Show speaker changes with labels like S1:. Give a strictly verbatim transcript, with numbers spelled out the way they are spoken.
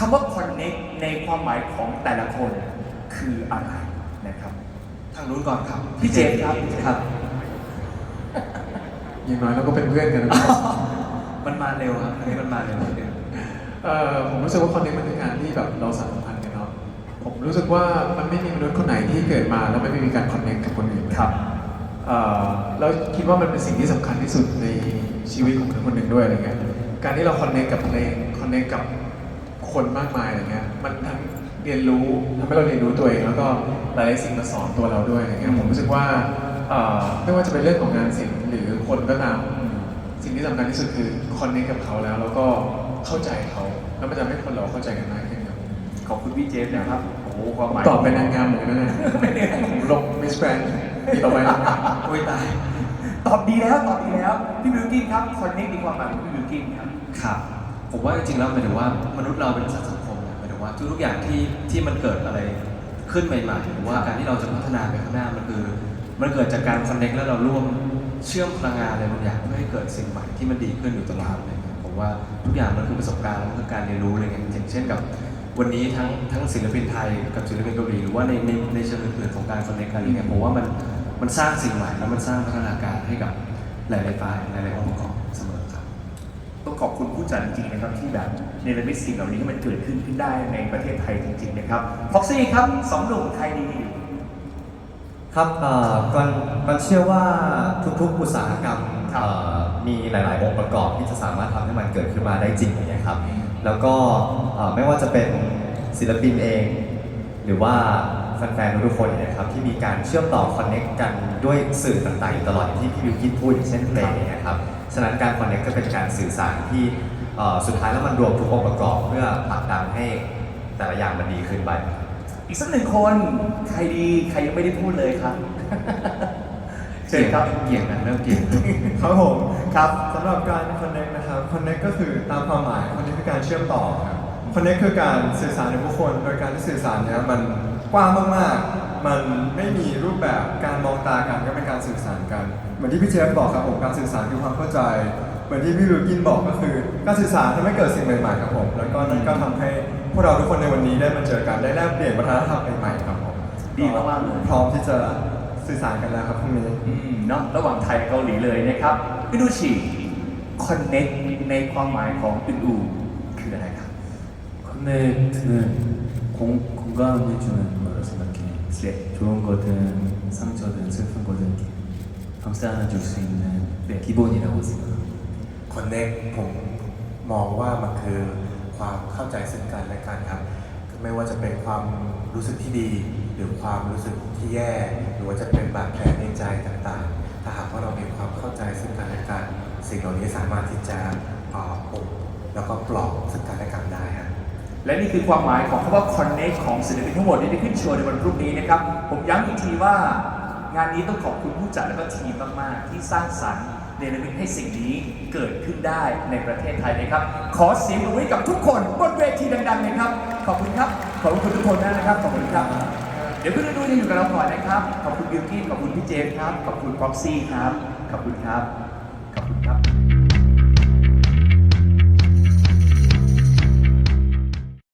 S1: ำว่า connect ในความหมายของแต่ละคนคืออะไรนะครับทางนู้นก่อนครับพี่เจมส์ครับครับ
S2: อย่างน้อยเราก็เป็นเพื่อนกันนะ
S1: มันมาเร็วครับอันนี้มันมาเร็วนิดนึง
S2: เอ่อผมรู้สึกว่าคอนเนคมันคือการที่แบบเราสัมพันธ์กันเนาะผมรู้สึกว่ามันไม่มีมนุษย์คนไหนที่เกิดมาแล้วไม่มีการคอนเนคกับคนอื่น
S1: ครับ
S2: เอ่อแล้วคิดว่ามันเป็นสิ่งที่สำคัญที่สุดในชีวิตของคนคนหนึ่งด้วยอะไรเงี้ยการที่เราคอนเนคกับเพลงคอนเนคกับคนมากมายอะไรเงี้ยมันทั้งเรียนรู้ทำให้เราเรียนรู้ตัวเองแล้วก็หลายๆสิ่งมาสอนตัวเราด้วยอะไรเงี้ยผมรู้สึกว่าเอ่อไม่ว่าจะเป็นเรื่องของงานศิลป์หรือคนก็ตามสิ่งที่สำคัญที่สุดคือคอนเนคกับเขาแล้วแล้วก็เข้าใจเขาแล้วมันจะทำให้คนเราเข้าใจกันมากขึ้นครับ
S1: ขอบคุณพี่เจฟนะครับโอ้โหความหมาย
S2: ตอบเป็นนางงามเหมือนกันนะผมลงมิสแกรนด์ปีต่อไปแล้ว
S1: โอ้ยตายตอบดีแล้วตอบดีแล้วพี่บิวกินครับ connect ในความหมายของพี่บิวกินครับ
S3: ครับผมว่าจริงๆแล้วหมายถึงว่ามนุษย์เราเป็นสัตว์สังคมนะหมายถึงว่าทุกๆอย่างที่ที่มันเกิดอะไรขึ้นใหม่ๆหรือว่าการที่เราจะพัฒนาไปข้างหน้ามันคือมันเกิดจากการคอนเนคแล้วเราร่วมเชื่อมพลังงานอะไรบางอย่างเพื่อให้เกิดสิ่งใหม่ที่มันดีขึ้นอยู่ตลอดเลยผมว่าทุกอย่างมันคือประสบการณ์มันคือการเรียนรู้อะไรเงี้ยอย่างเช่นกับวันนี้ทั้งทั้งศิลปินไทยกับศิลปินเกาหลีหรือว่าในในในเชิงอื่นๆของการคอนเนคกันอะไรเงี้ยผมว่ามันมันสร้างสิ่งใหม่แล้วมันสร้างพัฒนาการให้กับหลายๆฝ่ายหลายๆองค์ประกอบเสมอครับ
S1: ต้องขอบคุณผู้จัดจริงๆนะครับที่แบบเนรมิตสิ่งเหล่านี้ให้มันเกิดขึ้นขึ้นได้ในประเทศไทยจริงๆนะครับพ็อกซี่ครับสองหนุ่มไทยดี
S4: ครับเอ่อก่อนก่อนเชื่อว่าทุกๆอุตสาหกรรม
S1: ครับ
S4: เอ่อมีหลาย ๆ องค์ประกอบที่จะสามารถทำให้มันเกิดขึ้นมาได้จริงอย่างเงี้ยครับ แล้วก็เอ่อไม่ว่าจะเป็นศิลปินเอง หรือว่าแฟนๆทุกๆคนเนี่ยครับที่มีการเชื่อมต่อคอนเน็กกันด้วยสื่อต่างๆอยู่ตลอดอย่างที่พี่วิวกินพูดอย่างเช่นเพลงอย่างเงี้ยครับฉะนั้นการคอนเน็กก็เป็นการสื่อสารที่เอ่อสุดท้ายแล้วมันรวมทุกองค์ประกอบเพื่อผลักดันให้แต่ละอย่างมันดีขึ้นไป
S1: อีกสักหนึ่งคนใครดีใครยังไม่ได้พูดเลยครับ เชิญครับ
S3: เกี่ยงกันเริ่มเกี่ยง
S5: ครับผม
S1: ครับ
S5: สำหรับการ connect นะครับ connect ก็คือตามความหมาย connect คือการเชื่อมต่อครับ connect คือการสื่อสารในผู้คน โดยการที่สื่อสารเนี้ยมันกว้างมากๆ มันไม่มีรูปแบบการมองตากันก็เป็นการสื่อสารกัน เหมือนที่พี่เจฟบอกครับผมการสื่อสารคือความเข้าใจ เหมือนที่พี่วิวกินบอกก็คือการสื่อสารทำให้เกิดสิ่งใหม่ๆครับผมแล้วก็นั่นก็ทำให้พวกเราทุกคนในวันนี้ได้มาเจอกันได้แลกเปลี่ยนวัฒนธรรมใหม่ๆครับผม
S1: ดีมากๆเลย
S5: พร้อมที่จะสื่อสารกันแล้วครับพรุ่งนี้
S1: อืมเนาะระหว่างไทยกับเกาหลีเลยนะครับพี่ดูชีคอนเน็กในความหมายของอึนอูคืออะไรครับ
S6: 커넥트는 공, 공감해주는 거라고 생각해.
S1: 네.
S6: 좋은 거든 상처든 슬픈 거든 감싸 안아줄 수 있는 네, 기본이라고 생각합니다.
S7: คอนเนคผมมองว่ามันคือความเข้าใจซึ่งกันและกันครับไม่ว่าจะเป็นความรู้สึกที่ดี หรือความรู้สึกที่แย่ หรือว่าจะเป็นบาดแผลในใจต่างๆ ถ้าหากว่าเรามีความเข้าใจซึ่งกันและกัน สิ่งเหล่านี้สามารถที่จะปลอบปกแล้วก็ปลอบซึ่งกันและกันได้ครับ
S1: และนี่คือความหมายของคำว่า connect ของศิลปินทั้งหมดที่ได้ขึ้นโชว์ในวันพรุ่งนี้นะครับ ผมย้ำอีกทีว่างานนี้ต้องขอบคุณผู้จัดและก็ทีมมากๆ ที่สร้างสรรค์เนรมิตให้สิ่งนี้เกิดขึ้นได้ในประเทศไทยนะครับ ขอเสียงปรบมือให้กับทุกคนบนเวทีดังๆเลยครับ ขอบคุณครับ ขอบคุณทุกคนมากนะครับ ขอบคุณครับ เดี๋ยวเพื่อนๆยังอยู่กับเราก่อนนะครับ ขอบคุณบิวกี้ขอบคุณพี่เจฟครับ ขอบคุณพ็อกซี่ครับ ขอบคุณครับ ขอบคุณครับ